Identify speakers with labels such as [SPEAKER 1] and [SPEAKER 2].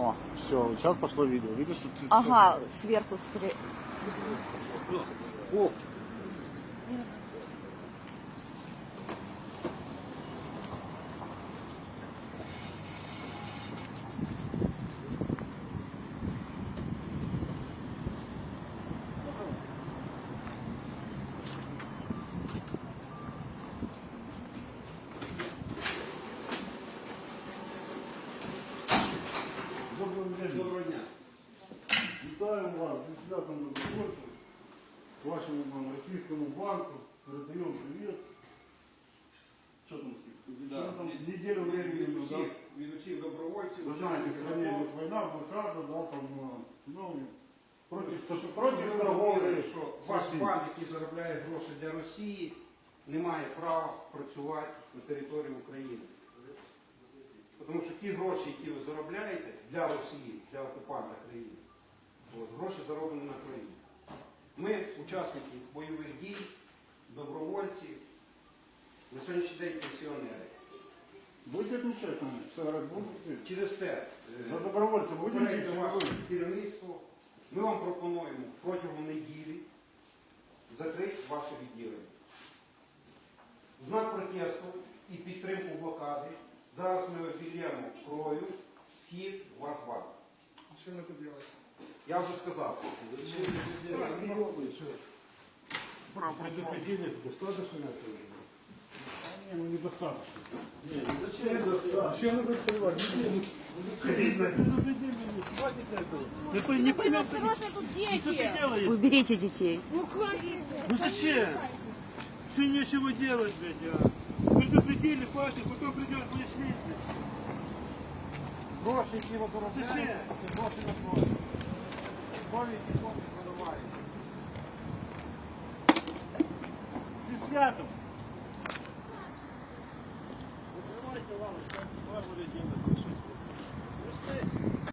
[SPEAKER 1] О, все, сейчас пошло видео. Видишь, что ты...
[SPEAKER 2] Ага, сверху стрелять.
[SPEAKER 1] О! Доброго дня. Вітаємо вас зі святом добровольців, вашому російському банку. Передаємо привіт. Що там скільки?
[SPEAKER 3] Да.
[SPEAKER 1] Там неделю времени.
[SPEAKER 3] Від усіх добровольців.
[SPEAKER 1] Вы знаете, в стране идет война, блокада, да, там, ну, против торговли.
[SPEAKER 3] Що ваш банк, який заробляє гроші для Росії, не має права працювати на території України. Тому що ті гроші, які ви заробляєте для Росії, для окупанта країни, гроші зароблені на країні. Ми, учасники бойових дій, добровольці, на сьогоднішній день пенсіонери.
[SPEAKER 1] Будете отмечать нами? Все, будете?
[SPEAKER 3] Через те,
[SPEAKER 1] За добровольців будете?
[SPEAKER 3] попередньо ваше керівництво, ми вам пропонуємо протягом неділі закрити ваше відділення. В знак протесту і підтримку блокади зараз ми обілємо кров'ю вхід в ваш банк.
[SPEAKER 4] Что мы тут делаем?
[SPEAKER 3] Я вже сказав.
[SPEAKER 1] Предупредили, достаточно этого? Не, ну недостаточно.
[SPEAKER 4] Зачем вы открываете?
[SPEAKER 5] Не поймете,
[SPEAKER 6] Осторожно, тут
[SPEAKER 5] что ты
[SPEAKER 6] дети.
[SPEAKER 5] делаешь?
[SPEAKER 2] Уберите детей.
[SPEAKER 6] Ну, хватит.
[SPEAKER 5] Ну зачем? Все нечего делать, блядь, а. Предупредили, хватит, потом придет пояснить.
[SPEAKER 3] Гроші, які ви заробляєте,
[SPEAKER 5] Зачем?
[SPEAKER 3] це гроші на крові. Крові, які хлопці заробляють.
[SPEAKER 5] Ты святом. Закрывайте, ладно, как будет делать.